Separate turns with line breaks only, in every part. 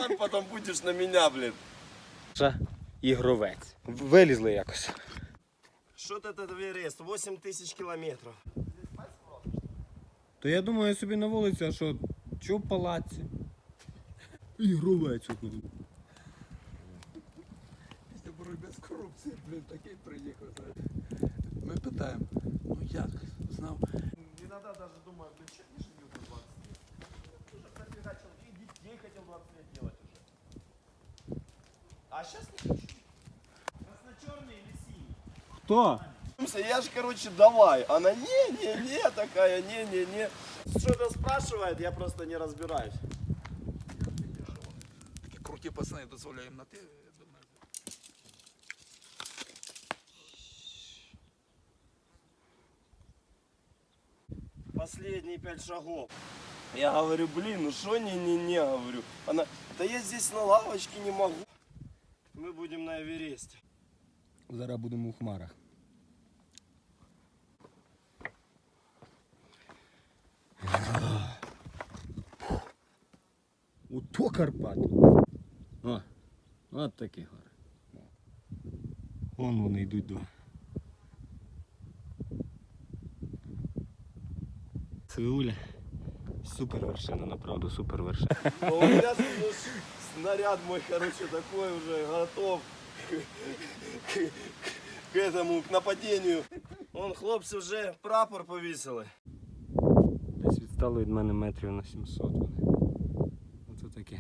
сам потом будешь на меня, блин.
Ігровець. Вилізли якось.
Что это Эверест? 8000 километров.
То я думаю, я собі на вулиці, а що, чого в палаці? Ігровець.
Після боротьби з корупцією, блін, такий приїхав. Ми питаємо, ну як, знав?
Иногда даже думаю, блин, что не живет на 20 лет? Уже профигачил, и детей хотел 20 лет делать уже. А сейчас не хочу. Красно-черный или синий?
Хто?
Я ж, короче, давай. Она не-не-не такая, не-не-не. Что-то спрашивает, я просто не разбираюсь.
Такі круті пацани дозволяємо на те, я думаю.
Последние 5 шагов. Я говорю, блин, ну что не-не-не, говорю. Она, да я здесь на лавочке не могу. Мы будем на Эвересте.
Зараз будемо у хмарах. Ото Карпати. О, от такі гори. Вон вони йдуть до. Сеуля. Супер вершина, направду, супер вершина.
Но у меня снаряд мой, короче, такой уже готов к этому, к нападению. Вон, хлопці вже прапор повісили.
Десь відстало від мене метрів на 700 вони. Оце таке.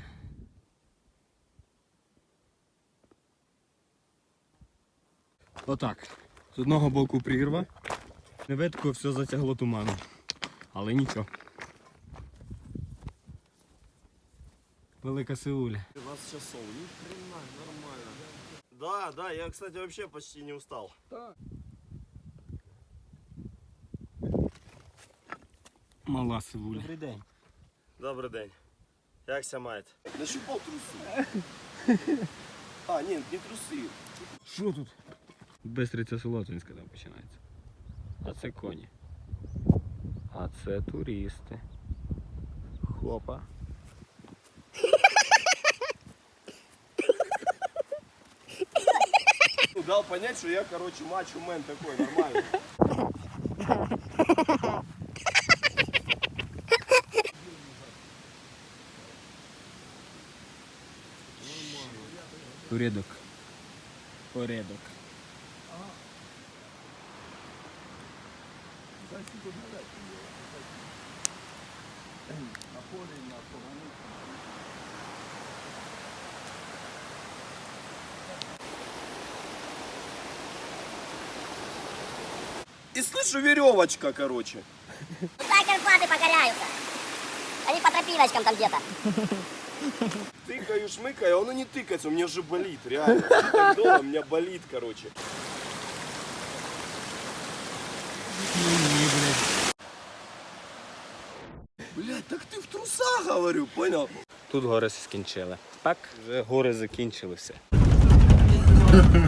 Отак. З одного боку прірва. Невидко все затягло туманом. Але нічого. Велика Сеуля.
20 часов, ни хрена, нормально. Да, я, кстати, вообще почти не устал.
Мала Сеуля. Добрий день.
Добрий день. Як ся маєте? Нащупав труси. А, ні, не труси.
Що тут? Бистриця Солотвинська там починається. А це коні. А це туристи. Хопа.
Дал понять, что я, короче, мачо-мен такой, нормальный.
Порядок. Порядок.
И слышу веревочка, короче.
Так Карпаты покоряются. Они по тропиночкам там где-то.
Тыкаю, шмыкаю, а оно не тыкается, у меня же болит, реально. Так долго, у меня болит, короче. Блять, так ты в трусах, говорю, понял?
Тут гори скінчили. Так, вже гори закінчилися.